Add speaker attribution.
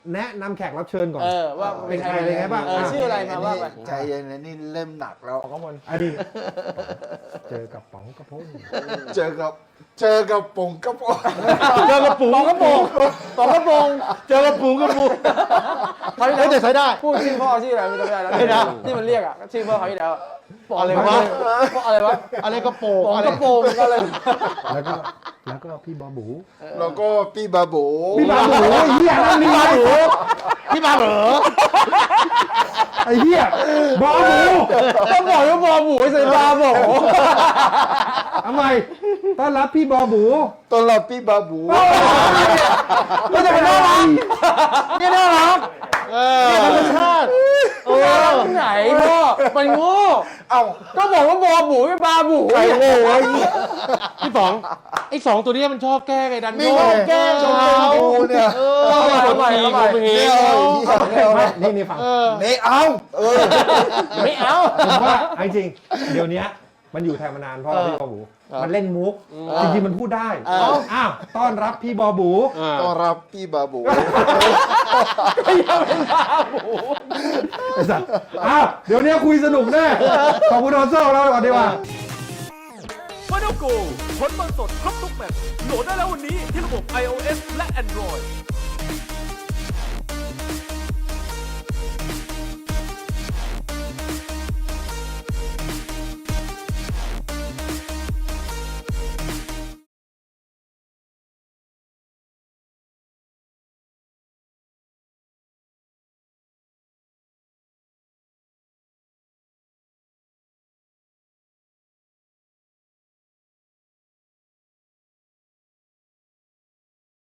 Speaker 1: แนะนำแขกรับเชิญก่อน
Speaker 2: ว่า
Speaker 1: เป็นใครอะไรไงบ้าง
Speaker 2: ชื่ออะไรมาว่าไป
Speaker 3: ใจเย็นนะนี่เล่มหนักแล้ว
Speaker 2: ของข้างบน
Speaker 1: อันนี้เจอกับป๋องกระพง
Speaker 3: เจอกับปงกระปง
Speaker 1: เจอกับปุ๋ง
Speaker 2: ปองกระโปงปองกระโปง
Speaker 1: เจอกับปุ๋งกระปุก
Speaker 2: เขาที่
Speaker 1: เฮ้ยแต่ใช้ได้
Speaker 2: พูดชื่อพ่อชื่ออะไรไม่จำได้แล้ว
Speaker 1: ไม่ได้
Speaker 2: ที่มันเรียกชื่อพ่อเขาที่แล้ว
Speaker 1: อะไรวะ
Speaker 2: อะไรวะ
Speaker 1: อะไรกระโปง
Speaker 2: ปองกระโปงก็เลย
Speaker 1: แล้วก็พี่บอบู
Speaker 3: แล้วก็พี่บาโบ
Speaker 1: พี่บาบูไอ้เหี้ยนั่นพี่บาบูพี่บาเหรอไอ้เหี้ยบอบู
Speaker 2: ก็บอกว่าบอหมูใส่บาโบ
Speaker 1: ทำไมต้อนรับพี่บอบู
Speaker 3: ต้อนรับพี่บาบู
Speaker 1: ก็จะเป็นน่ารักนี่น่ารักนี่ธรรมชาติ
Speaker 2: ไหนพ่อมันโง่
Speaker 3: เอ้า
Speaker 2: ก็บอกว่าบอหมูไม่บาหมู
Speaker 3: ใครโง่ไอ้
Speaker 1: พี่ป๋องไอ้สองตัวนี้มันชอบแกล้งไอ้ดัน
Speaker 3: นี่
Speaker 1: โง่
Speaker 3: ไง
Speaker 1: แกล้ง
Speaker 3: ชอบ
Speaker 1: เขา
Speaker 3: แกล้งกูเนี่ย
Speaker 2: เอาใหม่
Speaker 3: ไม่เอาไม่เอา
Speaker 1: นี่ฟัง
Speaker 3: ไม่เอา
Speaker 2: ไม่เอา
Speaker 1: ผมว่าจริงๆเดี๋ยวนี้มันอยู่ไทยมานานเพราะพี่บอบูมันเล่นมุกจริงๆมันพูดได้อ้าวต้อนรับพี่บอบู
Speaker 3: ต้อนรับพี่บาบู
Speaker 2: ไม่เอาเป็นบาหมู
Speaker 1: ไอ้สัสอ้าวเดี๋ยวนี้คุยสนุกแน่ขอบคุณโดนเซอร์เราก่อนดีกว่า
Speaker 4: f i n a l Go ผลบอลสดครบทุกแมตช์โหลดได้แล้ววันนี้ที่ระบบ iOS และ Android